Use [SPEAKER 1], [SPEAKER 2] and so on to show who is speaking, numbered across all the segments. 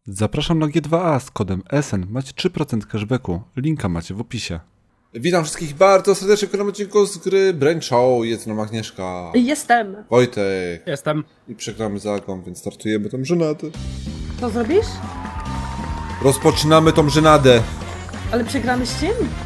[SPEAKER 1] Zapraszam na G2A z kodem SN. Macie 3% cashbacku. Linka macie w opisie.
[SPEAKER 2] Witam wszystkich bardzo serdecznie w kolejnym odcinku z gry Brain Show. Jest nam Agnieszka.
[SPEAKER 3] Jestem.
[SPEAKER 2] Wojtek.
[SPEAKER 4] Jestem.
[SPEAKER 2] I przegramy z Agą, więc startujemy tą żenadę.
[SPEAKER 3] Co zrobisz?
[SPEAKER 2] Rozpoczynamy tą żenadę.
[SPEAKER 3] Ale przegramy z czym?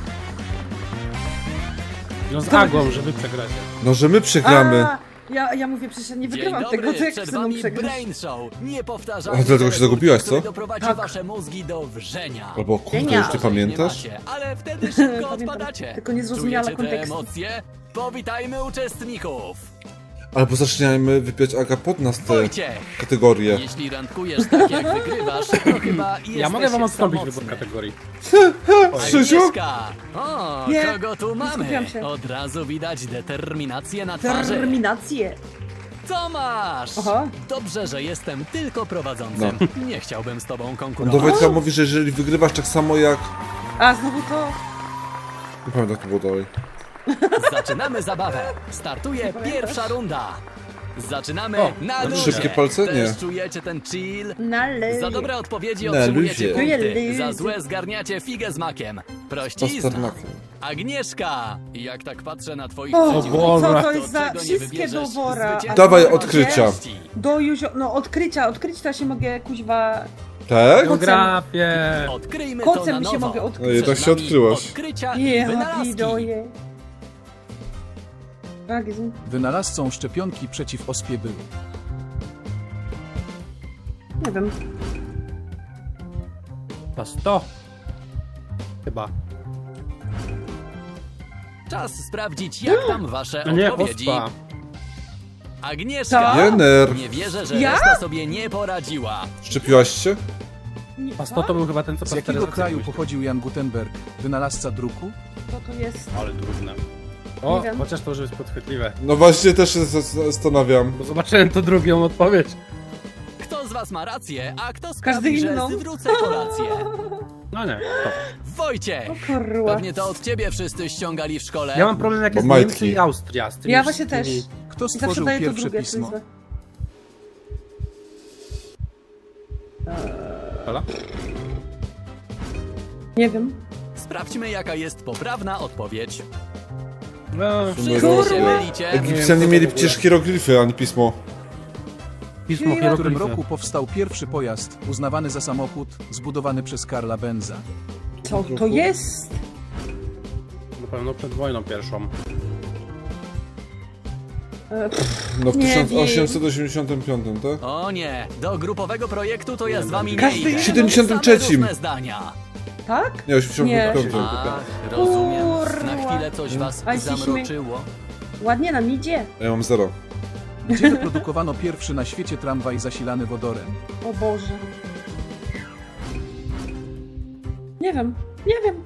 [SPEAKER 4] No z Agą, żeby przegrać.
[SPEAKER 2] No, że my przegramy.
[SPEAKER 3] Ja mówię, przecież ja nie wygrywam
[SPEAKER 5] Dzień
[SPEAKER 3] tego,
[SPEAKER 5] dobry,
[SPEAKER 3] to jak
[SPEAKER 5] przed
[SPEAKER 3] ze mną
[SPEAKER 5] wami
[SPEAKER 3] przegrasz?
[SPEAKER 5] Brain Show. Nie
[SPEAKER 2] O,
[SPEAKER 5] powtarzajcie
[SPEAKER 2] dlatego się zagubiłaś, co?
[SPEAKER 5] który doprowadzi
[SPEAKER 3] Tak.
[SPEAKER 5] wasze mózgi do wrzenia.
[SPEAKER 2] Albo kurde,
[SPEAKER 3] Genial.
[SPEAKER 2] już ty pamiętasz?
[SPEAKER 5] Nie macie, ale wtedy szybko
[SPEAKER 3] Pamiętam,
[SPEAKER 5] odpadacie.
[SPEAKER 3] tylko nie zrozumiała
[SPEAKER 5] Czujecie te
[SPEAKER 3] kontekstu.
[SPEAKER 5] emocje? Powitajmy uczestników.
[SPEAKER 2] Albo zaczynajmy wypiać Aga pod nas te
[SPEAKER 5] Wojciech,
[SPEAKER 2] kategorie.
[SPEAKER 5] jeśli randkujesz tak jak wygrywasz, to chyba jesteś
[SPEAKER 4] Ja mogę wam odstąpić
[SPEAKER 5] samotny.
[SPEAKER 4] wybór kategorii.
[SPEAKER 2] Krzysiu?
[SPEAKER 5] Agnieszka! O,
[SPEAKER 3] Nie,
[SPEAKER 5] kogo tu mamy?
[SPEAKER 3] skupiam się.
[SPEAKER 5] Od razu widać determinację na twarzy.
[SPEAKER 3] Terminację.
[SPEAKER 5] Tomasz!
[SPEAKER 3] Aha.
[SPEAKER 5] Dobrze, że jestem tylko prowadzącym. Nie chciałbym z tobą
[SPEAKER 2] On do
[SPEAKER 5] konkurować.
[SPEAKER 2] Wojtka mówi, że jeżeli wygrywasz tak samo jak...
[SPEAKER 3] A, znowu to...
[SPEAKER 2] Nie pamiętam, jak to było dalej.
[SPEAKER 5] Zaczynamy zabawę. Startuje pierwsza runda. Zaczynamy na luzie.
[SPEAKER 2] szybkie palce? Nie.
[SPEAKER 5] Też czujecie ten chill?
[SPEAKER 3] Na lewie.
[SPEAKER 5] Za dobre odpowiedzi
[SPEAKER 2] Na
[SPEAKER 5] otrzymujecie
[SPEAKER 2] luzie.
[SPEAKER 5] punkty.
[SPEAKER 3] Luzie.
[SPEAKER 5] Za złe zgarniacie figę z makiem. Prościzna.
[SPEAKER 2] Pasternakiem.
[SPEAKER 5] Agnieszka! Jak tak patrzę na twoich
[SPEAKER 3] O,
[SPEAKER 5] przeciwników,
[SPEAKER 4] Boże.
[SPEAKER 3] co to jest za...
[SPEAKER 5] czego nie
[SPEAKER 3] Wszystkie do
[SPEAKER 5] wybierzesz?
[SPEAKER 3] wora.
[SPEAKER 5] Zwycięstwo
[SPEAKER 2] Dawaj
[SPEAKER 5] będzie
[SPEAKER 2] odkrycia.
[SPEAKER 5] części.
[SPEAKER 3] Do Juzio... No, odkrycia to się mogę, kuźwa...
[SPEAKER 2] Tak?
[SPEAKER 4] Geografię.
[SPEAKER 5] Odkryjmy to na
[SPEAKER 3] Kocem się
[SPEAKER 5] nowo.
[SPEAKER 3] mogę
[SPEAKER 2] No
[SPEAKER 3] odkryć.
[SPEAKER 2] jednak
[SPEAKER 5] Przed
[SPEAKER 2] się
[SPEAKER 5] nami
[SPEAKER 2] odkryłaś.
[SPEAKER 5] Odkrycia i
[SPEAKER 3] Nie,
[SPEAKER 5] wynalazki.
[SPEAKER 3] hapidoje. Tak, jest...
[SPEAKER 6] Wynalazcą szczepionki przeciw ospie był.
[SPEAKER 3] Nie wiem.
[SPEAKER 4] To 100. Chyba.
[SPEAKER 5] Czas sprawdzić, jak tam wasze
[SPEAKER 4] No nie,
[SPEAKER 5] odpowiedzi.
[SPEAKER 4] ospa.
[SPEAKER 5] Agnieszka!
[SPEAKER 3] Co?
[SPEAKER 2] Jener.
[SPEAKER 5] Nie wierzę, że
[SPEAKER 3] Ja?
[SPEAKER 5] reszta sobie nie poradziła.
[SPEAKER 2] Szczepiłaś się?
[SPEAKER 4] A 100 to był chyba ten, co
[SPEAKER 6] Z jakiego
[SPEAKER 4] pasteryzację
[SPEAKER 6] kraju
[SPEAKER 4] wymyślił.
[SPEAKER 6] pochodził Jan Gutenberg, wynalazca druku?
[SPEAKER 3] Co to jest?
[SPEAKER 4] Ale trudne. O,
[SPEAKER 3] Nie wiem.
[SPEAKER 4] chociaż to już jest podchwytliwe.
[SPEAKER 2] No właśnie, też się zastanawiam.
[SPEAKER 4] Bo zobaczyłem to drugą odpowiedź.
[SPEAKER 5] Kto z was ma rację, a kto
[SPEAKER 3] Każdy
[SPEAKER 5] sprawi, że
[SPEAKER 3] inną.
[SPEAKER 5] zwrócę kolację?
[SPEAKER 4] No nie, to.
[SPEAKER 5] Wojciech!
[SPEAKER 3] Kurwa.
[SPEAKER 5] Pewnie to od ciebie wszyscy ściągali w szkole.
[SPEAKER 4] Ja mam problem jak
[SPEAKER 2] Bo
[SPEAKER 4] jest
[SPEAKER 2] majtki.
[SPEAKER 4] Niemcy i Austria. Z tymi
[SPEAKER 3] Ja właśnie
[SPEAKER 4] wszystkimi-
[SPEAKER 3] też.
[SPEAKER 6] Kto
[SPEAKER 3] I zawsze
[SPEAKER 6] stworzył
[SPEAKER 3] daję to
[SPEAKER 6] pierwsze
[SPEAKER 3] drugie
[SPEAKER 6] pismo?
[SPEAKER 3] kuźwa.
[SPEAKER 4] Hola?
[SPEAKER 3] Nie wiem.
[SPEAKER 5] Sprawdźmy, jaka jest poprawna odpowiedź.
[SPEAKER 4] No,
[SPEAKER 5] Wszyscy
[SPEAKER 2] Kurwa.
[SPEAKER 5] się mylicie.
[SPEAKER 2] Egipcjanie mieli przecież hieroglify, a nie pismo.
[SPEAKER 4] pismo
[SPEAKER 6] W którym
[SPEAKER 4] hieroglify.
[SPEAKER 6] roku powstał pierwszy pojazd uznawany za samochód zbudowany przez Karla Benza?
[SPEAKER 3] Co to jest?
[SPEAKER 4] Na pewno przed wojną pierwszą.
[SPEAKER 2] No w
[SPEAKER 3] Nie
[SPEAKER 2] 1885, tak?
[SPEAKER 5] O nie, do grupowego projektu to ja z wami nie
[SPEAKER 3] Każdy
[SPEAKER 5] idę.
[SPEAKER 3] inny.
[SPEAKER 2] 73.
[SPEAKER 5] Same różne zdania.
[SPEAKER 3] Tak?
[SPEAKER 2] Nie, 85.
[SPEAKER 5] Ach, rozumiem. Na
[SPEAKER 3] Kurwa.
[SPEAKER 5] chwilę coś was
[SPEAKER 3] A jesteśmy-
[SPEAKER 5] zamroczyło.
[SPEAKER 3] Ładnie nam idzie.
[SPEAKER 2] Ja mam 0.
[SPEAKER 6] Gdzie wyprodukowano pierwszy na świecie tramwaj zasilany wodorem?
[SPEAKER 3] O Boże. Nie wiem. Nie wiem.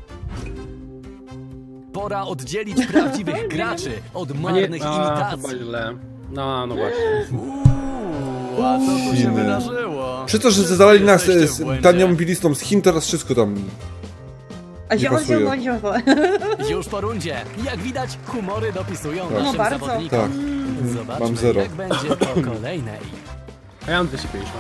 [SPEAKER 5] Pora oddzielić prawdziwych graczy od
[SPEAKER 4] A nie,
[SPEAKER 5] marnych
[SPEAKER 4] a,
[SPEAKER 5] imitacji.
[SPEAKER 4] chyba źle. No właśnie.
[SPEAKER 5] A co tu się
[SPEAKER 2] Chiny.
[SPEAKER 5] wydarzyło?
[SPEAKER 2] Przez to, że zadali nas
[SPEAKER 5] Jesteście w
[SPEAKER 2] z
[SPEAKER 5] błędzie.
[SPEAKER 2] tanią bilistą z Chin, teraz wszystko tam...
[SPEAKER 3] A
[SPEAKER 2] Nie pasuje.
[SPEAKER 5] Już po rundzie. Jak widać, humory dopisują
[SPEAKER 2] Tak.
[SPEAKER 5] naszym
[SPEAKER 3] No bardzo.
[SPEAKER 5] zawodnikom.
[SPEAKER 2] Tak.
[SPEAKER 5] Zobaczmy,
[SPEAKER 2] Mam 0.
[SPEAKER 5] jak będzie po kolejnej.
[SPEAKER 4] A ja mam 250.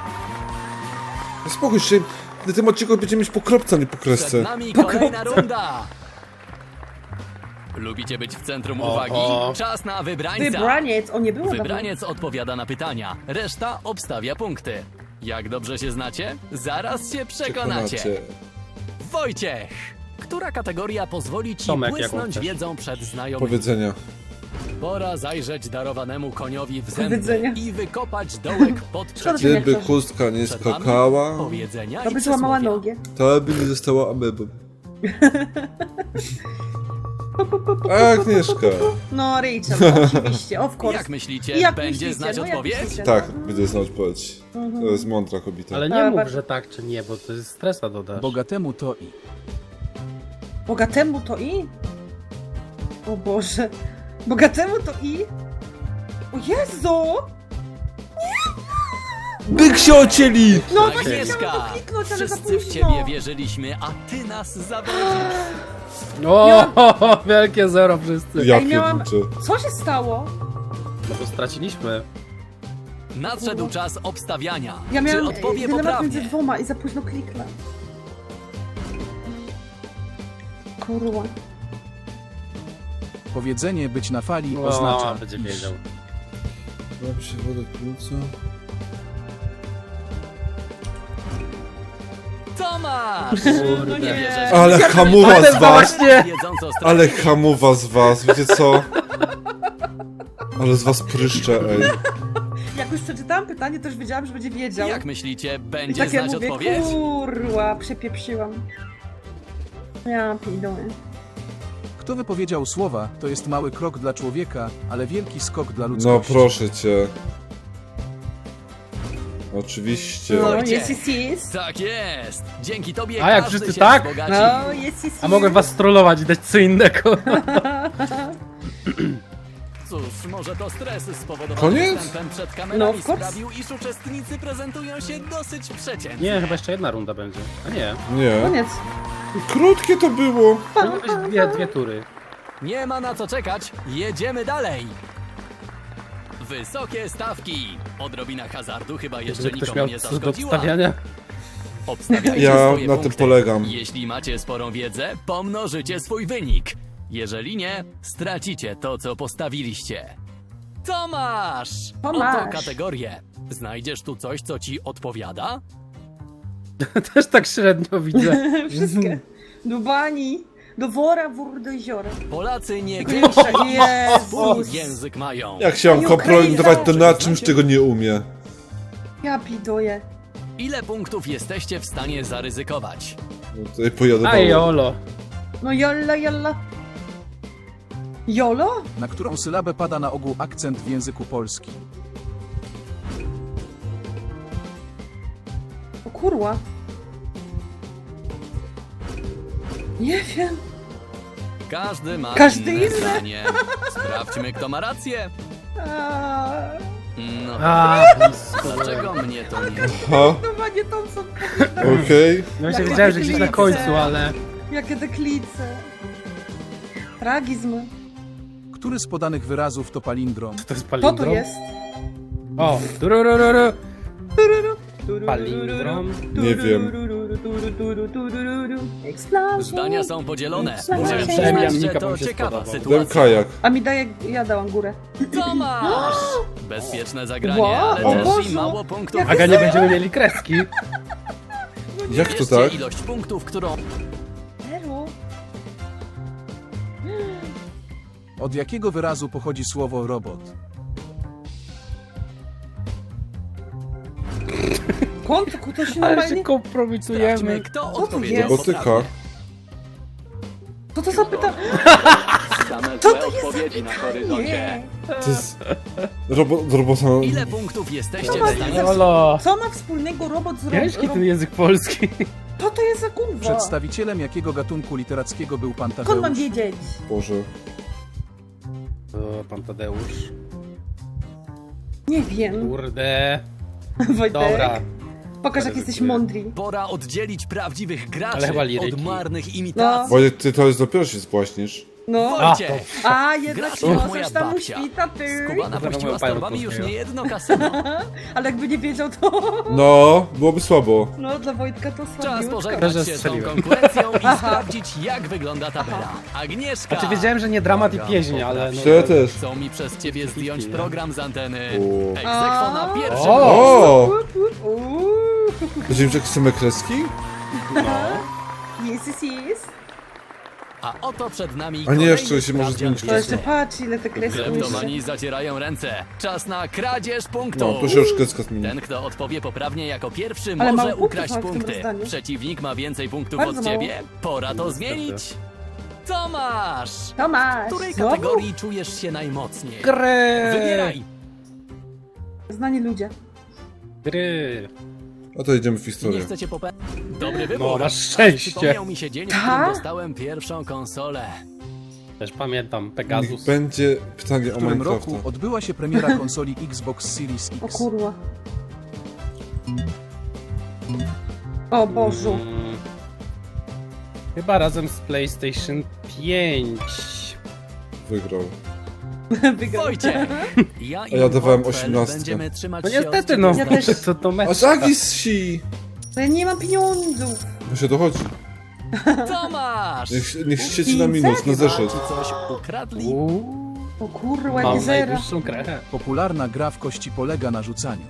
[SPEAKER 2] No spokój się, na tym odcinku będziemy mieć po kropce, a nie po kresce.
[SPEAKER 5] Przed nami kolejna runda. Lubicie być w centrum
[SPEAKER 4] O,
[SPEAKER 5] uwagi?
[SPEAKER 4] o.
[SPEAKER 5] Czas na wybrańca.
[SPEAKER 3] Wybraniec. O, nie było
[SPEAKER 5] Wybraniec odpowiada na pytania, reszta obstawia punkty. Jak dobrze się znacie? Zaraz się przekonacie. Wojciech! Która kategoria pozwoli ci
[SPEAKER 4] Tomek, jaką
[SPEAKER 5] błysnąć
[SPEAKER 4] chcesz?
[SPEAKER 5] wiedzą przed znajomymi?
[SPEAKER 2] Powiedzenia.
[SPEAKER 5] Pora zajrzeć darowanemu koniowi w zęby
[SPEAKER 3] Powiedzenia.
[SPEAKER 5] i wykopać dołek pod
[SPEAKER 3] Szkoda, że
[SPEAKER 5] przeciwnikiem.
[SPEAKER 2] Gdyby
[SPEAKER 3] chcesz.
[SPEAKER 2] chustka nie
[SPEAKER 5] Przed wami
[SPEAKER 2] skakała,
[SPEAKER 5] Powiedzenia
[SPEAKER 3] To
[SPEAKER 5] i
[SPEAKER 3] by złamała
[SPEAKER 5] przysłowia.
[SPEAKER 3] nogę.
[SPEAKER 2] to by nie została amebą. A Agnieszka.
[SPEAKER 3] No, Rachel, oczywiście, of course.
[SPEAKER 5] Jak myślicie,
[SPEAKER 3] Jak
[SPEAKER 5] będzie
[SPEAKER 3] myślicie?
[SPEAKER 5] znać
[SPEAKER 3] No, jak
[SPEAKER 5] odpowiedź?
[SPEAKER 3] myślicie?
[SPEAKER 2] Tak, będzie znać odpowiedź. To jest mądra kobieta.
[SPEAKER 4] Ale
[SPEAKER 3] A,
[SPEAKER 4] nie mów,
[SPEAKER 3] bardzo-
[SPEAKER 4] że tak czy nie, bo to jest stresa dodasz.
[SPEAKER 6] Bogatemu to i.
[SPEAKER 3] Bogatemu to i? O Boże. Bogatemu to i? O Jezu!
[SPEAKER 2] Byk się ocieli!
[SPEAKER 3] No właśnie
[SPEAKER 5] Agnieszka,
[SPEAKER 3] chciałam to kliknąć, ale za
[SPEAKER 5] wszyscy w
[SPEAKER 3] późno.
[SPEAKER 5] ciebie wierzyliśmy, a ty nas zawodzisz.
[SPEAKER 4] O, wielkie zero wszyscy.
[SPEAKER 2] Ja
[SPEAKER 3] Ej, miałam-
[SPEAKER 2] pierniczę.
[SPEAKER 3] Co się stało?
[SPEAKER 4] No bo straciliśmy.
[SPEAKER 5] Nadszedł czas obstawiania.
[SPEAKER 3] Ja
[SPEAKER 5] Czy
[SPEAKER 3] miałam
[SPEAKER 5] odpowie
[SPEAKER 3] dylemat
[SPEAKER 5] poprawnie?
[SPEAKER 3] między dwoma i za późno kliknę. Kurwa.
[SPEAKER 6] Powiedzenie być na fali
[SPEAKER 4] O,
[SPEAKER 6] oznacza,
[SPEAKER 4] będzie
[SPEAKER 6] iż
[SPEAKER 4] wiedział.
[SPEAKER 2] Mam się wodę płuca.
[SPEAKER 5] Tomasz!
[SPEAKER 4] Kurde.
[SPEAKER 5] Nie wierzę, że
[SPEAKER 2] Ale hamuwa z was!
[SPEAKER 4] Właśnie!
[SPEAKER 5] wiedząc o
[SPEAKER 2] Ale
[SPEAKER 5] strategii.
[SPEAKER 2] hamuwa z was, wiecie co? Ale z was pryszcze, ej.
[SPEAKER 3] Jak już przeczytałam pytanie, to już wiedziałam, że będzie wiedział.
[SPEAKER 5] Jak myślicie,
[SPEAKER 3] I
[SPEAKER 5] będzie
[SPEAKER 3] takie
[SPEAKER 5] znać
[SPEAKER 3] mówię,
[SPEAKER 5] odpowiedź?
[SPEAKER 3] kurwa, przepieprzyłam. Ja pierdolę.
[SPEAKER 6] kto wypowiedział słowa, to jest mały krok dla człowieka, ale wielki skok dla
[SPEAKER 2] No
[SPEAKER 6] ludzkości.
[SPEAKER 2] proszę cię. Oczywiście.
[SPEAKER 3] No,
[SPEAKER 5] Wojciech.
[SPEAKER 3] jest.
[SPEAKER 5] Tak jest! Dzięki tobie
[SPEAKER 4] A jak
[SPEAKER 5] każdy
[SPEAKER 4] wszyscy
[SPEAKER 5] się
[SPEAKER 4] tak?
[SPEAKER 5] wzbogaci.
[SPEAKER 3] No, jest.
[SPEAKER 4] A mogłem was trollować i dać co innego.
[SPEAKER 5] Cóż, może to stres spowodowany
[SPEAKER 2] Koniec?
[SPEAKER 5] występem przed
[SPEAKER 3] No,
[SPEAKER 5] kamerami
[SPEAKER 3] of course.
[SPEAKER 5] sprawił, iż uczestnicy prezentują się dosyć przeciętnie.
[SPEAKER 4] Nie, chyba jeszcze jedna runda będzie. A nie.
[SPEAKER 2] Nie.
[SPEAKER 3] Koniec.
[SPEAKER 2] Krótkie to było.
[SPEAKER 4] Powinny być dwie tury.
[SPEAKER 5] Nie ma na co czekać, jedziemy dalej! Wysokie stawki! Odrobina hazardu chyba jeszcze
[SPEAKER 4] Żeby ktoś
[SPEAKER 5] nikomu
[SPEAKER 4] miał
[SPEAKER 5] nie
[SPEAKER 4] coś do
[SPEAKER 5] zaszkodziła.
[SPEAKER 4] obstawiania.
[SPEAKER 5] Obstawiajcie
[SPEAKER 2] Ja
[SPEAKER 5] swoje
[SPEAKER 2] na tym
[SPEAKER 5] punkty.
[SPEAKER 2] polegam.
[SPEAKER 5] Jeśli macie sporą wiedzę, pomnożycie swój wynik. Jeżeli nie, stracicie to, co postawiliście. Tomasz!
[SPEAKER 3] Tomasz.
[SPEAKER 5] Oto kategorię. Znajdziesz tu coś, co ci odpowiada?
[SPEAKER 4] Też tak średnio widzę.
[SPEAKER 3] Wszystkie. Do bani, do wora, wór, do jeziora.
[SPEAKER 5] Polacy nie
[SPEAKER 3] Gęsia,
[SPEAKER 5] swój
[SPEAKER 3] Jezus.
[SPEAKER 5] język mają.
[SPEAKER 2] Jak się mam
[SPEAKER 3] Ej,
[SPEAKER 2] kompromitować, to
[SPEAKER 3] Ukraina.
[SPEAKER 2] na czymś tego nie umie.
[SPEAKER 3] Ja pidoję.
[SPEAKER 5] Ile punktów jesteście w stanie zaryzykować?
[SPEAKER 2] No tutaj pojadę
[SPEAKER 4] A
[SPEAKER 2] mało.
[SPEAKER 4] jolo.
[SPEAKER 3] No jalla. Jolo?
[SPEAKER 6] Na którą sylabę pada na ogół akcent w języku polskim.
[SPEAKER 3] O kurwa. Nie wiem.
[SPEAKER 5] Każdy ma inne
[SPEAKER 3] inne.
[SPEAKER 5] zdanie. Sprawdźmy, kto ma rację.
[SPEAKER 3] A,
[SPEAKER 5] No,
[SPEAKER 4] A, blisko.
[SPEAKER 5] dlaczego mnie to nie...
[SPEAKER 2] Ha,
[SPEAKER 3] no nie Thompson.
[SPEAKER 2] okej.
[SPEAKER 4] No właśnie
[SPEAKER 3] Jakie
[SPEAKER 4] wiedziałem, że gdzieś na
[SPEAKER 3] deklice.
[SPEAKER 4] końcu, ale...
[SPEAKER 3] Jakie deklice. Tragizm.
[SPEAKER 6] Który z podanych wyrazów to palindrom?
[SPEAKER 4] To jest
[SPEAKER 3] Co tu
[SPEAKER 4] palindrom?
[SPEAKER 3] jest?
[SPEAKER 4] O, dururururu. Palindrom?
[SPEAKER 2] Nie wiem.
[SPEAKER 3] Explosion.
[SPEAKER 5] Zdania są podzielone.
[SPEAKER 3] Przynajmniej
[SPEAKER 5] Muszę
[SPEAKER 3] ja
[SPEAKER 5] przyznać, że
[SPEAKER 4] Mika
[SPEAKER 5] to
[SPEAKER 4] wam się
[SPEAKER 5] ciekawa
[SPEAKER 4] spodobał.
[SPEAKER 2] Dałem
[SPEAKER 5] sytuacja.
[SPEAKER 2] kajak.
[SPEAKER 3] A mi daje, ja dałam górę.
[SPEAKER 5] Tomasz! Bezpieczne zagranie,
[SPEAKER 3] Wow,
[SPEAKER 5] ale
[SPEAKER 2] o
[SPEAKER 5] też
[SPEAKER 3] Boże.
[SPEAKER 5] i mało punktów.
[SPEAKER 3] Jak
[SPEAKER 4] Aga, nie będziemy mieli kreski.
[SPEAKER 2] Jak to
[SPEAKER 5] Wierzcie
[SPEAKER 2] tak?
[SPEAKER 5] ilość punktów, którą...
[SPEAKER 3] Zero.
[SPEAKER 6] Od jakiego wyrazu pochodzi słowo robot?
[SPEAKER 3] Kątku, to się
[SPEAKER 4] Ale się
[SPEAKER 3] normalnie...
[SPEAKER 5] Sprawdźmy,
[SPEAKER 4] kompromitujemy.
[SPEAKER 5] kto
[SPEAKER 3] to
[SPEAKER 5] odpowiedział
[SPEAKER 3] jest?
[SPEAKER 2] Robotyka.
[SPEAKER 5] poprawnie.
[SPEAKER 3] Co to za pytanie?
[SPEAKER 5] Same
[SPEAKER 3] Co
[SPEAKER 5] złe
[SPEAKER 3] to jest
[SPEAKER 5] odpowiedzi na
[SPEAKER 3] za
[SPEAKER 5] horyzoncie.
[SPEAKER 3] pytanie?
[SPEAKER 2] To jest... Robota...
[SPEAKER 5] Ile punktów jesteście
[SPEAKER 3] No
[SPEAKER 5] w stanie...
[SPEAKER 4] Jolo.
[SPEAKER 3] Co ma wspólnego robot z
[SPEAKER 4] Ciężki ten język polski.
[SPEAKER 3] Co to jest za kurwa?
[SPEAKER 6] Przedstawicielem jakiego gatunku literackiego był pan
[SPEAKER 3] Skąd mam
[SPEAKER 6] Tadeusz?
[SPEAKER 3] wiedzieć?
[SPEAKER 2] Boże.
[SPEAKER 4] O, pan Tadeusz.
[SPEAKER 3] Nie wiem.
[SPEAKER 4] Kurde.
[SPEAKER 3] Wojtek,
[SPEAKER 4] Dobra.
[SPEAKER 3] pokaż jak jesteś
[SPEAKER 4] Ryzykuję.
[SPEAKER 3] mądry.
[SPEAKER 5] Pora oddzielić prawdziwych
[SPEAKER 4] Ale
[SPEAKER 5] graczy
[SPEAKER 4] chyba liryki.
[SPEAKER 5] od marnych imitacji.
[SPEAKER 2] Wojtek, ty to jest dopiero się spłaśnisz.
[SPEAKER 3] No.
[SPEAKER 5] Wojciech!
[SPEAKER 3] A, jednak
[SPEAKER 5] Grasz jak moja
[SPEAKER 3] możesz tam
[SPEAKER 5] babcia.
[SPEAKER 3] uśpita, ty.
[SPEAKER 5] Skubana puściła z
[SPEAKER 4] moją
[SPEAKER 5] torbami
[SPEAKER 4] panią
[SPEAKER 5] już
[SPEAKER 4] polskiego.
[SPEAKER 5] nie jedno kasyno.
[SPEAKER 3] Ale jakby nie wiedział, to...
[SPEAKER 2] No, byłoby słabo.
[SPEAKER 3] No, dla Wojtka to
[SPEAKER 5] Czas
[SPEAKER 3] słabiutko.
[SPEAKER 5] pożegnać
[SPEAKER 4] Że
[SPEAKER 5] się z tą
[SPEAKER 4] strzeliłem.
[SPEAKER 5] konkurencją i sprawdzić, jak wygląda tabela. Agnieszka!
[SPEAKER 4] Znaczy wiedziałem, że nie dramat i pieśń, ale... No,
[SPEAKER 2] Ja też.
[SPEAKER 5] Chcą mi przez ciebie zdjąć
[SPEAKER 4] nie?
[SPEAKER 5] program z anteny.
[SPEAKER 2] O.
[SPEAKER 5] Egzekwo na pierwszym
[SPEAKER 4] O!
[SPEAKER 5] miejscu.
[SPEAKER 2] O! Będziemy mieć jakieś same kreski?
[SPEAKER 3] Jest.
[SPEAKER 5] A oto przed nami
[SPEAKER 2] A nie,
[SPEAKER 5] kolejny
[SPEAKER 2] jeszcze się może
[SPEAKER 5] sprawdzian
[SPEAKER 2] zmienić
[SPEAKER 3] To jeszcze
[SPEAKER 5] wiedzy.
[SPEAKER 3] patrz, ile te kreski jeszcze.
[SPEAKER 5] Kleptomani zacierają ręce. Czas na kradzież
[SPEAKER 2] No,
[SPEAKER 5] punktów.
[SPEAKER 2] to się już kreska zmieni.
[SPEAKER 5] Ten, kto odpowie poprawnie jako pierwszy,
[SPEAKER 3] Ale
[SPEAKER 5] może
[SPEAKER 3] mało punktów
[SPEAKER 5] ukraść
[SPEAKER 3] mam w tym
[SPEAKER 5] punkty.
[SPEAKER 3] rozdaniu.
[SPEAKER 5] Przeciwnik ma więcej punktów
[SPEAKER 3] Bardzo
[SPEAKER 5] od
[SPEAKER 3] mało.
[SPEAKER 5] ciebie. Pora to zmienić. Tomasz!
[SPEAKER 3] Tomasz,
[SPEAKER 5] W której
[SPEAKER 3] znowu?
[SPEAKER 5] kategorii czujesz się najmocniej?
[SPEAKER 4] Gry!
[SPEAKER 5] Wybieraj!
[SPEAKER 3] Znani ludzie.
[SPEAKER 4] Gry.
[SPEAKER 2] A to idziemy w
[SPEAKER 5] Nie
[SPEAKER 2] historię.
[SPEAKER 5] chcecie popełnić. Dobry wybór.
[SPEAKER 4] No, masz szczęście.
[SPEAKER 5] Przypomniał mi się dzień, w
[SPEAKER 3] Tak?
[SPEAKER 5] którym dostałem pierwszą konsolę.
[SPEAKER 4] Też pamiętam,
[SPEAKER 2] Niech
[SPEAKER 4] Pegasus.
[SPEAKER 2] będzie pytanie
[SPEAKER 6] W
[SPEAKER 2] o
[SPEAKER 6] którym roku
[SPEAKER 2] Minecrafta.
[SPEAKER 6] odbyła się premiera konsoli Xbox Series
[SPEAKER 3] O
[SPEAKER 6] X?
[SPEAKER 3] kurwa. O Bożu.
[SPEAKER 4] Mm. Chyba razem z PlayStation 5.
[SPEAKER 2] Wygrał.
[SPEAKER 3] Wygrał.
[SPEAKER 5] Wojciech! Ja i
[SPEAKER 2] A ja dawałem
[SPEAKER 5] Portfel
[SPEAKER 2] 18.
[SPEAKER 5] będziemy trzymać
[SPEAKER 4] No
[SPEAKER 5] się
[SPEAKER 4] niestety,
[SPEAKER 5] od
[SPEAKER 4] no.
[SPEAKER 3] Ja też.
[SPEAKER 4] Co to
[SPEAKER 2] A
[SPEAKER 4] mecz?
[SPEAKER 2] Zagis si!
[SPEAKER 3] To ja nie mam pieniądzów.
[SPEAKER 2] No się dochodzi.
[SPEAKER 5] Tomasz!
[SPEAKER 2] Niech sieci na minus, na
[SPEAKER 5] Chyba
[SPEAKER 2] zeszyt.
[SPEAKER 5] ci coś ukradli?
[SPEAKER 3] O kurwa,
[SPEAKER 4] Mam
[SPEAKER 3] nie zera.
[SPEAKER 4] najwyższą krechę.
[SPEAKER 6] Popularna gra w kości polega na rzucaniu.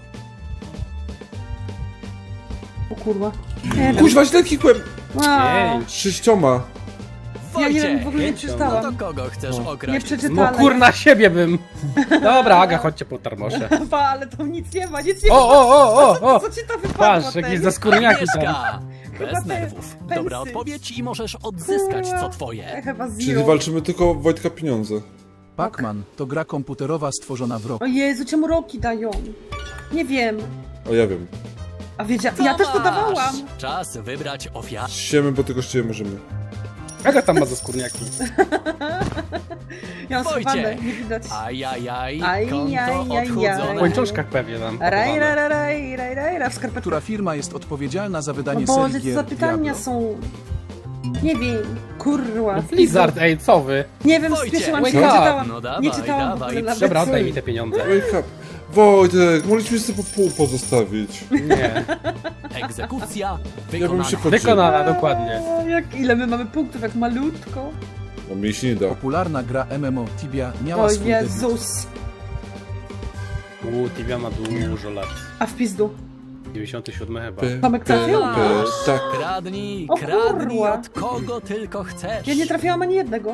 [SPEAKER 3] O kurwa. Nie wiem.
[SPEAKER 2] Kuźwa, źle kikłem!
[SPEAKER 3] A,
[SPEAKER 4] Jej.
[SPEAKER 2] 6.
[SPEAKER 3] ja nie wiem,
[SPEAKER 5] Wojciech!
[SPEAKER 3] w ogóle nie
[SPEAKER 4] pięcią.
[SPEAKER 5] No
[SPEAKER 3] przeczytałam.
[SPEAKER 5] to kogo chcesz
[SPEAKER 3] Nie
[SPEAKER 5] okraść?
[SPEAKER 3] przeczytałam.
[SPEAKER 4] No kurna siebie bym. Dobra, Aga, chodźcie po tarmosze.
[SPEAKER 3] Pa, ale to nic nie ma, nic nie ma.
[SPEAKER 4] O!
[SPEAKER 3] Co ci to wypadło?
[SPEAKER 4] Patrz,
[SPEAKER 3] ten?
[SPEAKER 4] jakieś zaskórniaki tam.
[SPEAKER 5] Agnieszka!
[SPEAKER 3] Chyba
[SPEAKER 5] Bez
[SPEAKER 3] te
[SPEAKER 5] nerwów.
[SPEAKER 3] pensy.
[SPEAKER 5] Dobra odpowiedź i możesz odzyskać co twoje.
[SPEAKER 3] Chyba
[SPEAKER 2] Czyli
[SPEAKER 3] zero.
[SPEAKER 2] walczymy tylko o Wojtka pieniądze.
[SPEAKER 6] Pac-Man to gra komputerowa stworzona w roku.
[SPEAKER 3] O Jezu, czemu roki dają? Nie wiem.
[SPEAKER 2] O, ja wiem.
[SPEAKER 3] A ja też to
[SPEAKER 5] Tomasz!
[SPEAKER 3] dawałam.
[SPEAKER 5] Czas wybrać ofiarę.
[SPEAKER 2] Siemy, bo tylko ściemy możemy.
[SPEAKER 4] Aga tam ma zaskórniaki.
[SPEAKER 3] Ja mam
[SPEAKER 5] Wojciech.
[SPEAKER 3] schowane, nie widać.
[SPEAKER 5] Ajajaj,
[SPEAKER 3] Aj,
[SPEAKER 5] konto
[SPEAKER 3] aj, aj,
[SPEAKER 4] W
[SPEAKER 5] odchudzone.
[SPEAKER 4] łańcuszkach pewnie tam.
[SPEAKER 3] Raj,
[SPEAKER 4] pochowane.
[SPEAKER 3] raj, raj, raj, raj, raj, w skarpetkach.
[SPEAKER 6] Która firma jest odpowiedzialna za
[SPEAKER 3] O
[SPEAKER 6] wydanie
[SPEAKER 3] Boże,
[SPEAKER 6] serii
[SPEAKER 3] co
[SPEAKER 6] gier
[SPEAKER 3] za pytania
[SPEAKER 6] Diablo?
[SPEAKER 3] są? Nie wiem, kurwa.
[SPEAKER 4] Blizzard, ej, co wy?
[SPEAKER 3] Nie wiem,
[SPEAKER 5] Wojciech.
[SPEAKER 3] spieszyłam się,
[SPEAKER 4] Wake
[SPEAKER 3] nie
[SPEAKER 4] up.
[SPEAKER 3] czytałam.
[SPEAKER 5] No dawaj,
[SPEAKER 3] Nie czytałam w
[SPEAKER 5] dawaj,
[SPEAKER 3] ogóle nawet.
[SPEAKER 4] Dobra, oddaj mi te pieniądze.
[SPEAKER 2] Wake up. Wojtek, mogliśmy sobie po pół pozostawić.
[SPEAKER 4] Nie.
[SPEAKER 5] Egzekucja
[SPEAKER 2] Ja bym
[SPEAKER 5] wykonana.
[SPEAKER 2] się podzielił.
[SPEAKER 4] Wykonana, dokładnie.
[SPEAKER 3] Ile my mamy punktów, jak malutko.
[SPEAKER 2] No mi się nie da.
[SPEAKER 6] Popularna gra MMO Tibia miała
[SPEAKER 3] O
[SPEAKER 6] swój debiut.
[SPEAKER 3] Jezus.
[SPEAKER 4] Tibia ma dużo lat.
[SPEAKER 3] A w pizdu.
[SPEAKER 4] 97 chyba.
[SPEAKER 3] Tomek trafił?
[SPEAKER 2] Tak.
[SPEAKER 5] Kradnij,
[SPEAKER 3] O
[SPEAKER 5] kradnij
[SPEAKER 3] kurwa.
[SPEAKER 5] od kogo tylko chcesz.
[SPEAKER 3] Ja nie trafiłam ani jednego.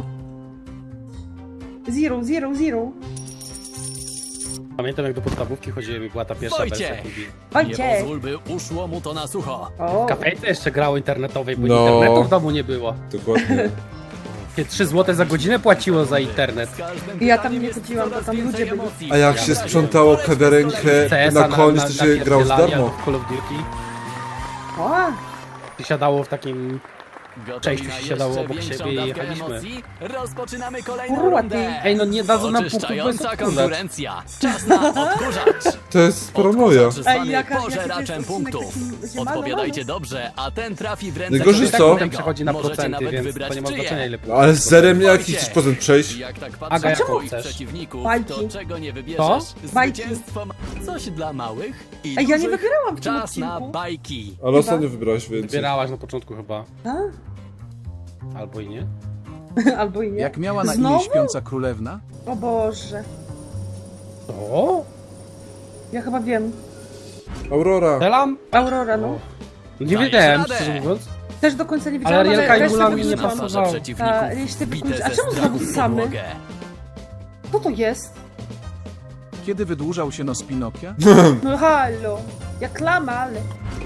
[SPEAKER 3] Zero, zero, zero.
[SPEAKER 4] Pamiętam jak do podstawówki chodziłem i była ta pierwsza wersja
[SPEAKER 5] Wojciech.
[SPEAKER 4] Tibii.
[SPEAKER 5] Nie
[SPEAKER 3] Wojciech.
[SPEAKER 5] pozwól, by uszło mu to na sucho.
[SPEAKER 3] O,
[SPEAKER 4] W kafejce jeszcze grało internetowej, bo
[SPEAKER 2] No.
[SPEAKER 4] internetu w domu nie było.
[SPEAKER 2] Dokładnie.
[SPEAKER 4] 3 zł za godzinę płaciło za internet.
[SPEAKER 5] Z każdym
[SPEAKER 3] Ja tam
[SPEAKER 5] pytaniem
[SPEAKER 3] nie
[SPEAKER 5] jest
[SPEAKER 3] chodziłam, bo
[SPEAKER 5] coraz
[SPEAKER 3] tam
[SPEAKER 5] więcej
[SPEAKER 3] ludzie byli.
[SPEAKER 5] emocji.
[SPEAKER 2] A jak się sprzątało kawiarenkę
[SPEAKER 4] CS-a
[SPEAKER 2] na koniec, to się grał z
[SPEAKER 4] napierdzielania
[SPEAKER 2] darmo.
[SPEAKER 4] w Call of Duty.
[SPEAKER 3] o,
[SPEAKER 4] I siadało w takim...
[SPEAKER 5] Gotowi
[SPEAKER 4] Część
[SPEAKER 5] na
[SPEAKER 4] już się dało
[SPEAKER 5] jeszcze
[SPEAKER 4] obok
[SPEAKER 5] większą
[SPEAKER 4] siebie i
[SPEAKER 5] dawkę
[SPEAKER 4] jechaliśmy.
[SPEAKER 5] emocji? Rozpoczynamy kolejną
[SPEAKER 3] Kurwa,
[SPEAKER 5] rundę.
[SPEAKER 3] ty.
[SPEAKER 4] Ej, no nie dadzą nam punktów, bo jest
[SPEAKER 5] Oczyszczająca
[SPEAKER 4] odkurzacz.
[SPEAKER 5] konkurencja. Czas na odkurzacz.
[SPEAKER 2] To jest paranoja.
[SPEAKER 5] Odkurzacz zwany
[SPEAKER 3] jaka
[SPEAKER 5] pożeraczem
[SPEAKER 3] to jest
[SPEAKER 5] punktów.
[SPEAKER 3] odcinek taki
[SPEAKER 5] Odpowiadajcie
[SPEAKER 3] ziemany,
[SPEAKER 5] dobrze, a ten trafi w ręce
[SPEAKER 2] Najgorzej
[SPEAKER 5] kogoś
[SPEAKER 2] co?
[SPEAKER 4] Potem
[SPEAKER 5] innego.
[SPEAKER 4] przechodzi na
[SPEAKER 5] Możecie
[SPEAKER 4] procenty,
[SPEAKER 5] nawet
[SPEAKER 4] więc
[SPEAKER 5] wybrać
[SPEAKER 4] to nie ma
[SPEAKER 5] czyje.
[SPEAKER 4] znaczenia ile
[SPEAKER 2] No, ale z zerem jakiś
[SPEAKER 5] Wojciech.
[SPEAKER 2] sposób przejść.
[SPEAKER 5] Jak tak
[SPEAKER 4] Aga,
[SPEAKER 5] patrzę na
[SPEAKER 4] jaką
[SPEAKER 5] twoich
[SPEAKER 4] chcesz?
[SPEAKER 5] przeciwników,
[SPEAKER 3] Bajki.
[SPEAKER 5] to czego nie wybierzesz?
[SPEAKER 4] To?
[SPEAKER 3] Bajki.
[SPEAKER 5] Zwycięstwo ma coś dla małych i
[SPEAKER 3] Ej, ja nie
[SPEAKER 5] dużych.
[SPEAKER 3] wybierałam w tym
[SPEAKER 5] Czas na
[SPEAKER 3] odcinku.
[SPEAKER 5] bajki.
[SPEAKER 2] Ale ostatnio wybrałeś więcej.
[SPEAKER 4] Wybierałaś na początku chyba.
[SPEAKER 3] A?
[SPEAKER 4] Albo i nie.
[SPEAKER 3] Albo i nie.
[SPEAKER 6] Jak miała na imię
[SPEAKER 3] Znowu?
[SPEAKER 6] śpiąca królewna?
[SPEAKER 3] O Boże.
[SPEAKER 4] O?
[SPEAKER 3] Ja chyba wiem.
[SPEAKER 2] Aurora.
[SPEAKER 4] Strzelam?
[SPEAKER 3] Aurora, no.
[SPEAKER 4] Nie
[SPEAKER 5] Dajesz
[SPEAKER 4] wiedziałem,
[SPEAKER 5] radę.
[SPEAKER 4] szczerze mówiąc.
[SPEAKER 3] Też do końca nie wiedziałam,
[SPEAKER 4] Arielka
[SPEAKER 3] ale
[SPEAKER 4] i
[SPEAKER 3] resztę
[SPEAKER 4] Mulan mi nie
[SPEAKER 3] wykluczyłam.
[SPEAKER 5] Na
[SPEAKER 4] pasowało.
[SPEAKER 5] twarze przeciwników.
[SPEAKER 3] A, resztę
[SPEAKER 5] bite
[SPEAKER 3] wykluczy- a
[SPEAKER 5] ze
[SPEAKER 3] czemu
[SPEAKER 5] strachu
[SPEAKER 3] znowu
[SPEAKER 5] w
[SPEAKER 3] same?
[SPEAKER 5] podłogę.
[SPEAKER 3] Co to jest?
[SPEAKER 6] Kiedy wydłużał się nos Pinokia?
[SPEAKER 3] No halo. Jak lama, ale...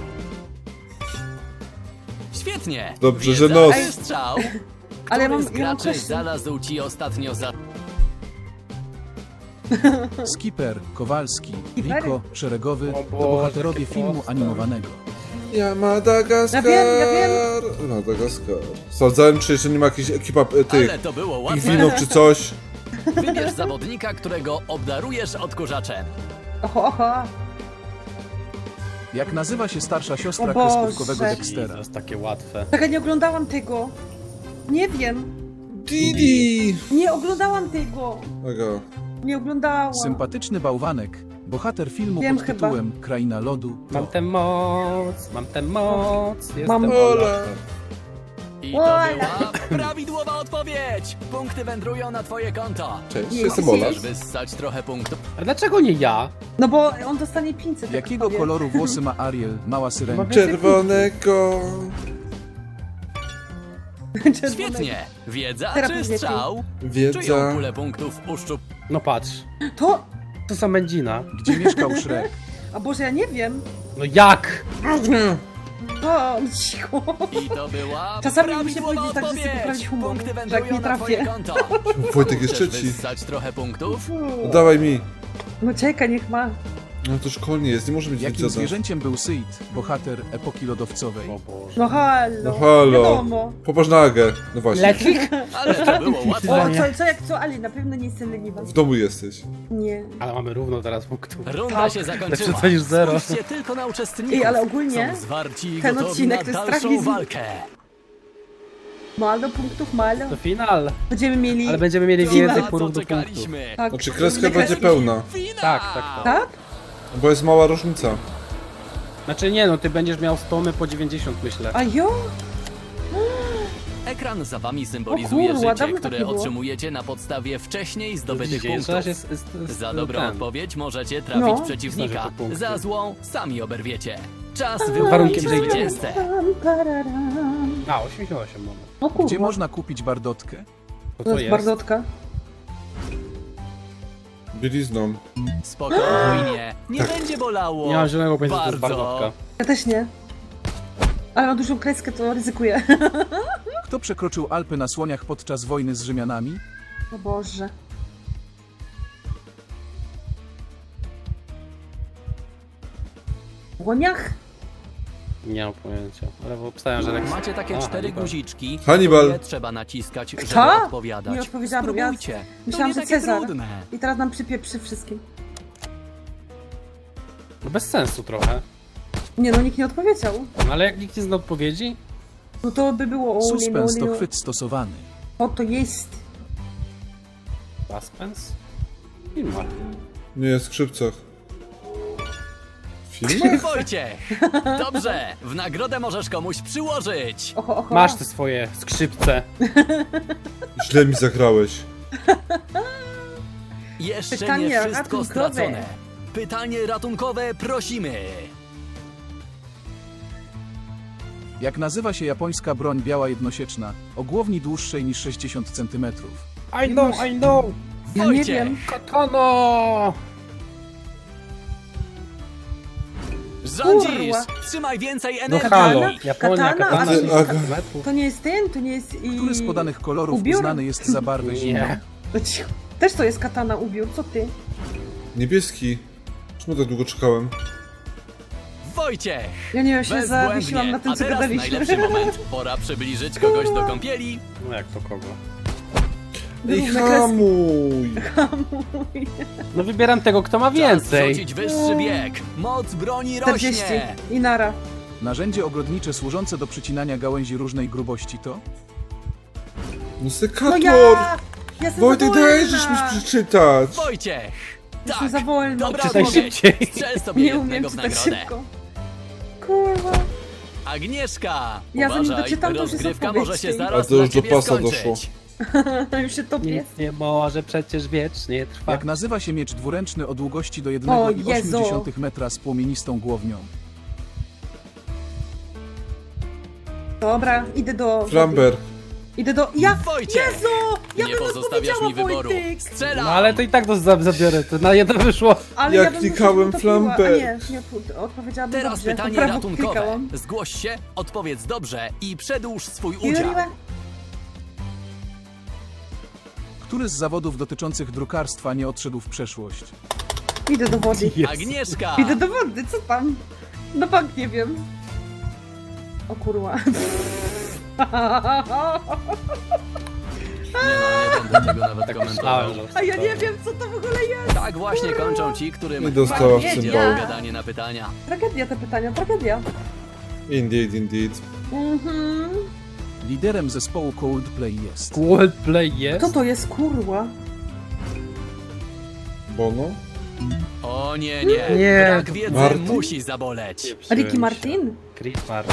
[SPEAKER 5] Świetnie.
[SPEAKER 2] Dobrze, że
[SPEAKER 5] Wiedza
[SPEAKER 2] nos.
[SPEAKER 5] i strzał.
[SPEAKER 3] Ale ja
[SPEAKER 5] Który
[SPEAKER 3] mam,
[SPEAKER 5] z
[SPEAKER 3] ja mam
[SPEAKER 5] graczy
[SPEAKER 3] question.
[SPEAKER 5] znalazł ci ostatnio za...
[SPEAKER 6] Skipper, Kowalski,
[SPEAKER 3] Skippery?
[SPEAKER 6] Rico, Szeregowy
[SPEAKER 4] O
[SPEAKER 6] to
[SPEAKER 4] Boże,
[SPEAKER 6] bohaterowie
[SPEAKER 4] jakie
[SPEAKER 6] filmu
[SPEAKER 4] proste.
[SPEAKER 6] animowanego.
[SPEAKER 2] Ja Madagaskar.
[SPEAKER 3] Ja wiem.
[SPEAKER 2] Madagaskar. Sprawdzałem, czy jeszcze nie ma jakiejś ekipa tych
[SPEAKER 5] Ale to było łatwe.
[SPEAKER 2] pingwinów czy coś.
[SPEAKER 5] Wybierz zawodnika, którego obdarujesz odkurzaczem.
[SPEAKER 3] Oho, oho.
[SPEAKER 6] Jak nazywa się starsza siostra
[SPEAKER 3] O Boże.
[SPEAKER 6] kreskówkowego
[SPEAKER 4] To
[SPEAKER 6] Dextera?
[SPEAKER 4] jest takie łatwe.
[SPEAKER 3] Tak, ja nie oglądałam tego. Nie wiem.
[SPEAKER 2] Didi.
[SPEAKER 3] Nie oglądałam tego.
[SPEAKER 2] Aga.
[SPEAKER 3] Nie oglądałam.
[SPEAKER 6] Sympatyczny bałwanek, bohater filmu
[SPEAKER 3] Wiem
[SPEAKER 6] pod
[SPEAKER 3] chyba.
[SPEAKER 6] tytułem Kraina Lodu.
[SPEAKER 4] Mam tę moc, mam tę moc. Jestem
[SPEAKER 3] Mam-
[SPEAKER 2] Ola.
[SPEAKER 5] I to
[SPEAKER 3] Ola.
[SPEAKER 5] była prawidłowa odpowiedź. Punkty wędrują na twoje konto.
[SPEAKER 2] Cześć,
[SPEAKER 3] Jest.
[SPEAKER 2] jestem Ola.
[SPEAKER 5] Możesz wyssać trochę punktów.
[SPEAKER 4] A dlaczego nie ja?
[SPEAKER 3] No bo on dostanie 500. jak
[SPEAKER 6] Jakiego
[SPEAKER 3] powie.
[SPEAKER 6] koloru włosy ma Ariel, mała syrenka?
[SPEAKER 4] Mogę-
[SPEAKER 2] Czerwonego.
[SPEAKER 3] Czerwonego.
[SPEAKER 5] Świetnie. Wiedza
[SPEAKER 3] Teraz
[SPEAKER 5] czy
[SPEAKER 3] powiecie.
[SPEAKER 5] strzał? Czyją
[SPEAKER 2] Wiedza.
[SPEAKER 5] kulę punktów uszczup...
[SPEAKER 4] No patrz,
[SPEAKER 3] To...
[SPEAKER 4] to są mędzina.
[SPEAKER 6] Gdzie mieszkał Shrek?
[SPEAKER 3] A Boże, ja nie wiem.
[SPEAKER 4] No jak?
[SPEAKER 3] O, cicho.
[SPEAKER 5] I to była
[SPEAKER 3] Czasami muszę
[SPEAKER 5] prawidłowa
[SPEAKER 3] powiedzieć tak, żeby sobie
[SPEAKER 5] odpowiedź.
[SPEAKER 3] poprawić humor,
[SPEAKER 5] Punkty
[SPEAKER 3] że jak
[SPEAKER 5] wędrują
[SPEAKER 3] nie
[SPEAKER 5] na twoje
[SPEAKER 3] trafię.
[SPEAKER 5] konto.
[SPEAKER 2] Wojtek jest
[SPEAKER 5] Chcesz
[SPEAKER 2] trzeci.
[SPEAKER 5] wyssać trochę punktów?
[SPEAKER 2] Dawaj mi.
[SPEAKER 3] No czekaj, niech ma.
[SPEAKER 2] No to szkolnie jest, nie może być
[SPEAKER 6] Jakim
[SPEAKER 2] wiedza.
[SPEAKER 6] zwierzęciem był Sid, bohater epoki lodowcowej?
[SPEAKER 4] O Boże.
[SPEAKER 3] No halo.
[SPEAKER 2] No halo.
[SPEAKER 3] Wiadomo.
[SPEAKER 2] Popatrz na Agę. No właśnie.
[SPEAKER 4] Lecik?
[SPEAKER 5] Ale to było
[SPEAKER 3] O,
[SPEAKER 5] łatwe.
[SPEAKER 3] co, ale na pewno nie jestem leniwa.
[SPEAKER 2] W domu jesteś.
[SPEAKER 3] Nie.
[SPEAKER 4] Ale mamy równo teraz punktów.
[SPEAKER 5] Runda się zakończyła.
[SPEAKER 4] Lepsze to niż zero.
[SPEAKER 5] Spójrzcie tylko na uczestników.
[SPEAKER 3] Ej, ale ogólnie
[SPEAKER 5] Są zwarci i
[SPEAKER 3] ten
[SPEAKER 5] gotowi
[SPEAKER 3] odcinek
[SPEAKER 5] na
[SPEAKER 3] to jest
[SPEAKER 5] dalszą
[SPEAKER 3] strach mi z-
[SPEAKER 5] walkę.
[SPEAKER 3] Malo punktów, malo.
[SPEAKER 4] To final.
[SPEAKER 3] Będziemy mieli...
[SPEAKER 4] Ale będziemy mieli
[SPEAKER 3] Final.
[SPEAKER 4] więcej
[SPEAKER 5] Na co
[SPEAKER 4] punktów.
[SPEAKER 5] czekaliśmy?
[SPEAKER 3] Tak.
[SPEAKER 2] Znaczy kreska
[SPEAKER 3] Kreski.
[SPEAKER 2] będzie pełna,
[SPEAKER 4] Tak.
[SPEAKER 3] Tak?
[SPEAKER 2] bo jest mała różnica.
[SPEAKER 4] Znaczy nie no, ty będziesz miał 100, my po 90 myślę.
[SPEAKER 3] A jo?
[SPEAKER 5] Ekran za wami symbolizuje
[SPEAKER 3] O kurwa,
[SPEAKER 5] życie,
[SPEAKER 3] dawno tak
[SPEAKER 5] które
[SPEAKER 3] nie było.
[SPEAKER 5] otrzymujecie na podstawie wcześniej zdobytych
[SPEAKER 4] Widzicie,
[SPEAKER 5] punktów.
[SPEAKER 4] jeszcze jest
[SPEAKER 5] Za dobrą
[SPEAKER 4] ten.
[SPEAKER 5] odpowiedź możecie trafić
[SPEAKER 3] No.
[SPEAKER 5] przeciwnika,
[SPEAKER 4] Znaczy, to punkty.
[SPEAKER 5] za złą sami oberwiecie. Czas
[SPEAKER 4] warunkiem,
[SPEAKER 5] wyłonić
[SPEAKER 4] że idzie.
[SPEAKER 5] zwycięzcę.
[SPEAKER 4] A, 88 moment.
[SPEAKER 3] O kurwa.
[SPEAKER 6] Gdzie można kupić bardotkę?
[SPEAKER 4] To
[SPEAKER 3] To jest bardotka.
[SPEAKER 2] Bielizną.
[SPEAKER 5] Spokojnie, nie będzie bolało.
[SPEAKER 4] Nie mam zielonego pojęcia, to jest
[SPEAKER 5] Bardzo.
[SPEAKER 4] bardotka.
[SPEAKER 3] Ja też nie. Ale mam dużą kreskę, to ryzykuję.
[SPEAKER 6] Kto przekroczył Alpy na słoniach podczas wojny z Rzymianami?
[SPEAKER 3] O Boże. Łoniach?
[SPEAKER 4] Nie mam pojęcia, ale obstawiam, że tak...
[SPEAKER 5] Macie takie
[SPEAKER 4] A,
[SPEAKER 5] 4
[SPEAKER 4] Hannibal.
[SPEAKER 5] guziczki,
[SPEAKER 2] Hannibal.
[SPEAKER 5] które trzeba naciskać, żeby
[SPEAKER 3] Kto?
[SPEAKER 5] odpowiadać.
[SPEAKER 3] Nie odpowiedziałam, ja
[SPEAKER 5] Spróbujcie.
[SPEAKER 3] myślałam,
[SPEAKER 5] to
[SPEAKER 3] że
[SPEAKER 5] nie takie
[SPEAKER 3] Cezar.
[SPEAKER 5] trudne.
[SPEAKER 3] I teraz nam przypieprzy wszystkim.
[SPEAKER 4] No bez sensu trochę.
[SPEAKER 3] Nie no, nikt nie odpowiedział.
[SPEAKER 4] No ale jak nikt nie zna odpowiedzi?
[SPEAKER 3] No to by było... o,
[SPEAKER 6] Suspens
[SPEAKER 3] nie,
[SPEAKER 6] to
[SPEAKER 3] nie,
[SPEAKER 6] chwyt stosowany.
[SPEAKER 3] O, to jest...
[SPEAKER 4] Suspense? Film ma.
[SPEAKER 2] Nie, w skrzypcach. Film?
[SPEAKER 5] Wojciech! Dobrze, w nagrodę możesz komuś przyłożyć.
[SPEAKER 3] Oho, oho.
[SPEAKER 4] Masz te swoje skrzypce.
[SPEAKER 2] Źle mi zagrałeś.
[SPEAKER 5] Jeszcze
[SPEAKER 3] Pytanie
[SPEAKER 5] nie wszystko
[SPEAKER 3] ratunkowe.
[SPEAKER 5] stracone. Pytanie ratunkowe prosimy.
[SPEAKER 6] Jak nazywa się japońska broń biała jednosieczna, o głowni dłuższej niż 60 cm?
[SPEAKER 4] I know!
[SPEAKER 3] Ja nie
[SPEAKER 5] Wojciech.
[SPEAKER 3] wiem.
[SPEAKER 4] Katano!
[SPEAKER 5] Rządzisz!
[SPEAKER 3] Kurwa.
[SPEAKER 5] Trzymaj więcej
[SPEAKER 4] No
[SPEAKER 5] energii.
[SPEAKER 4] halo, Japonia,
[SPEAKER 3] Katana,
[SPEAKER 4] katana
[SPEAKER 3] a
[SPEAKER 4] 60
[SPEAKER 2] ty-
[SPEAKER 4] metrów.
[SPEAKER 3] To nie jest ten, to nie jest...
[SPEAKER 6] Który z podanych kolorów
[SPEAKER 3] ubiór?
[SPEAKER 6] uznany jest za barwę zimną?
[SPEAKER 4] Nie.
[SPEAKER 3] No cicho. Też to jest katana ubiór, co ty?
[SPEAKER 2] Niebieski. Czemu tak długo czekałem?
[SPEAKER 5] Wojciech!
[SPEAKER 3] Ja nie wiem, się zawiesiłam
[SPEAKER 5] Bezbłędnie.
[SPEAKER 3] na tym,
[SPEAKER 5] A
[SPEAKER 3] co
[SPEAKER 5] teraz
[SPEAKER 3] gadaliśmy.
[SPEAKER 5] najlepszy moment. Pora przybliżyć kogoś do kąpieli.
[SPEAKER 4] No jak to kogo?
[SPEAKER 2] Ej,
[SPEAKER 3] Równe kreski.
[SPEAKER 2] hamuj!
[SPEAKER 4] No wybieram tego, kto ma
[SPEAKER 5] Czas
[SPEAKER 4] więcej.
[SPEAKER 5] rzucić wyższy bieg. Moc broni
[SPEAKER 3] 40
[SPEAKER 5] rośnie.
[SPEAKER 3] i nara.
[SPEAKER 6] Narzędzie ogrodnicze służące do przycinania gałęzi różnej grubości to?
[SPEAKER 2] No
[SPEAKER 3] No
[SPEAKER 2] sekator!
[SPEAKER 3] ja! Ja jestem
[SPEAKER 2] Wojtek,
[SPEAKER 3] za wolna.
[SPEAKER 2] dajesz mi przeczytać!
[SPEAKER 5] Wojciech!
[SPEAKER 3] Jestem
[SPEAKER 5] Tak,
[SPEAKER 3] za wolna.
[SPEAKER 5] dobra
[SPEAKER 4] Czytaj
[SPEAKER 5] odpowiedź.
[SPEAKER 4] szybciej.
[SPEAKER 5] Strzel sobie
[SPEAKER 3] Nie umiem
[SPEAKER 5] jednego w
[SPEAKER 3] czytać
[SPEAKER 5] nagrodę.
[SPEAKER 3] szybko. Kurwa.
[SPEAKER 5] Agnieszka!
[SPEAKER 3] Ja zanim
[SPEAKER 5] Uważaj,
[SPEAKER 3] doczytam, to już jest
[SPEAKER 5] rozgrywka
[SPEAKER 3] odpowiedź.
[SPEAKER 5] może się
[SPEAKER 2] A
[SPEAKER 5] zaraz
[SPEAKER 2] to już
[SPEAKER 5] dla
[SPEAKER 2] do
[SPEAKER 5] ciebie
[SPEAKER 2] pasa
[SPEAKER 5] skończyć.
[SPEAKER 2] doszło.
[SPEAKER 3] Już się topię.
[SPEAKER 4] Nic nie może przecież wiecznie trwa.
[SPEAKER 6] Jak nazywa się miecz dwuręczny o długości do
[SPEAKER 3] O
[SPEAKER 6] 1,8 metra z płomienistą głownią?
[SPEAKER 3] Dobra, idę do...
[SPEAKER 2] Flamber.
[SPEAKER 3] Idę do... Ja!
[SPEAKER 5] Wojciech!
[SPEAKER 3] Jezu! Ja
[SPEAKER 5] Nie
[SPEAKER 3] bym
[SPEAKER 5] pozostawiasz
[SPEAKER 3] odpowiedziała,
[SPEAKER 5] mi wyboru.
[SPEAKER 3] Wojtek!
[SPEAKER 5] Strzelam!
[SPEAKER 4] No ale to i tak to zabiorę, to na jedno wyszło.
[SPEAKER 3] Ale
[SPEAKER 2] Jak
[SPEAKER 3] ja bym
[SPEAKER 2] klikałem
[SPEAKER 3] coś utopiła.
[SPEAKER 2] flamber.
[SPEAKER 3] A nie odpowiedziałabym
[SPEAKER 5] Teraz
[SPEAKER 3] dobrze.
[SPEAKER 5] pytanie
[SPEAKER 3] Po prawo
[SPEAKER 5] ratunkowe.
[SPEAKER 3] klikałam.
[SPEAKER 5] Zgłoś się, odpowiedz dobrze i przedłuż swój udział.
[SPEAKER 3] Juriła?
[SPEAKER 6] Który z zawodów dotyczących drukarstwa nie odszedł w przeszłość?
[SPEAKER 3] Idę do wody.
[SPEAKER 5] Agnieszka!
[SPEAKER 3] Idę do wody, co tam? No bank nie wiem. O kurwa.
[SPEAKER 5] Nie będę tego nawet komentował.
[SPEAKER 4] Myślałem, że
[SPEAKER 3] A ja nie wiem, co to w ogóle jest.
[SPEAKER 5] Tak właśnie kończą ci,
[SPEAKER 2] Nie
[SPEAKER 5] którym
[SPEAKER 2] dostała w
[SPEAKER 3] Wiedział.
[SPEAKER 2] cymbał.
[SPEAKER 5] gadanie na pytania.
[SPEAKER 3] Tragedia te pytania, tragedia.
[SPEAKER 2] Indeed, indeed.
[SPEAKER 3] Mhm.
[SPEAKER 6] Liderem zespołu Coldplay jest.
[SPEAKER 4] Coldplay jest?
[SPEAKER 3] Co to jest kurwa?
[SPEAKER 2] Bono?
[SPEAKER 5] O nie,
[SPEAKER 4] Nie.
[SPEAKER 5] Brak wiedzy
[SPEAKER 2] Martin?
[SPEAKER 5] musi zaboleć.
[SPEAKER 3] Ricky Martin?
[SPEAKER 4] Chris Martin.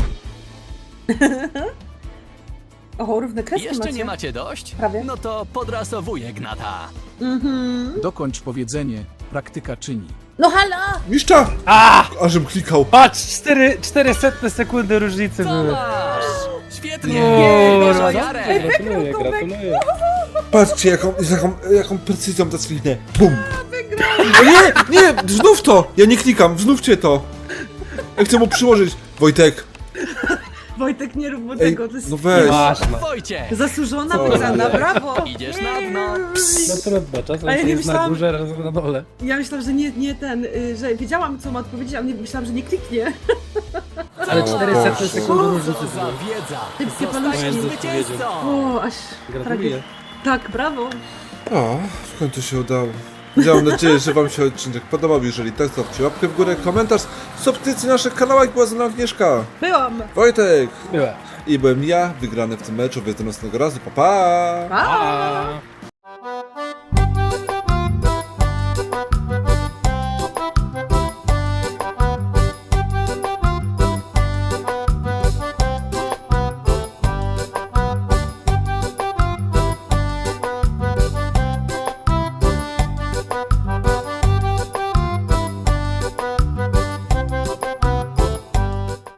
[SPEAKER 3] O, równe kreski
[SPEAKER 5] Jeszcze
[SPEAKER 3] macie.
[SPEAKER 5] nie macie dość?
[SPEAKER 3] Prawie.
[SPEAKER 5] No to podrasowuję Gnata.
[SPEAKER 3] Mhm.
[SPEAKER 6] Dokończ powiedzenie, praktyka czyni.
[SPEAKER 3] No hala!
[SPEAKER 2] Mistrza!
[SPEAKER 4] A!
[SPEAKER 2] Ażem klikał.
[SPEAKER 4] Patrz, 400 sekundy różnicy
[SPEAKER 5] Co
[SPEAKER 4] były.
[SPEAKER 5] masz? Świetnie!
[SPEAKER 3] Nie,
[SPEAKER 5] Masz
[SPEAKER 3] no,
[SPEAKER 5] Jarek!
[SPEAKER 4] Gratuluję, gratuluję.
[SPEAKER 2] Patrzcie, jaką precyzją ta sklinę. Bum! O nie! Nie! Znów to! Ja nie klikam, znówcie to! Ja chcę mu przyłożyć. Wojtek.
[SPEAKER 3] Wojtek, nie rób mu
[SPEAKER 2] Ej,
[SPEAKER 3] tego, to jest
[SPEAKER 2] no weź.
[SPEAKER 4] Masz, no.
[SPEAKER 5] Wojciech!
[SPEAKER 3] zasłużona
[SPEAKER 2] Co?
[SPEAKER 3] wygrana, brawo!
[SPEAKER 5] Idziesz na dno.
[SPEAKER 4] No trudno, czasem
[SPEAKER 3] A ja nie
[SPEAKER 4] jest na
[SPEAKER 3] myślałam-
[SPEAKER 4] górze, raz na dole.
[SPEAKER 3] Ja myślałam, że nie ten, że wiedziałam, co ma odpowiedzieć, ale myślałam, że nie kliknie.
[SPEAKER 4] Ale
[SPEAKER 2] O
[SPEAKER 4] 400
[SPEAKER 2] Boże.
[SPEAKER 4] sekundy
[SPEAKER 5] Co
[SPEAKER 4] różnicy
[SPEAKER 5] za
[SPEAKER 4] były.
[SPEAKER 5] wiedza!
[SPEAKER 3] Szybkie
[SPEAKER 5] Zostajesz
[SPEAKER 3] paluszki.
[SPEAKER 5] zwycięzcą!
[SPEAKER 3] O, aż
[SPEAKER 4] Gratuluję.
[SPEAKER 3] Tak, brawo.
[SPEAKER 2] O, w końcu się udało. Mam nadzieję, że wam się odcinek podobał. Jeżeli tak, zostawcie łapkę w górę, komentarz, subskrypcję na naszych kanałach. Była ze mną Agnieszka,
[SPEAKER 3] Byłam!
[SPEAKER 2] Wojtek
[SPEAKER 4] Byłem.
[SPEAKER 2] i byłem ja, wygrany w tym meczu. Do następnego razu, pa pa!
[SPEAKER 3] Pa!
[SPEAKER 4] A.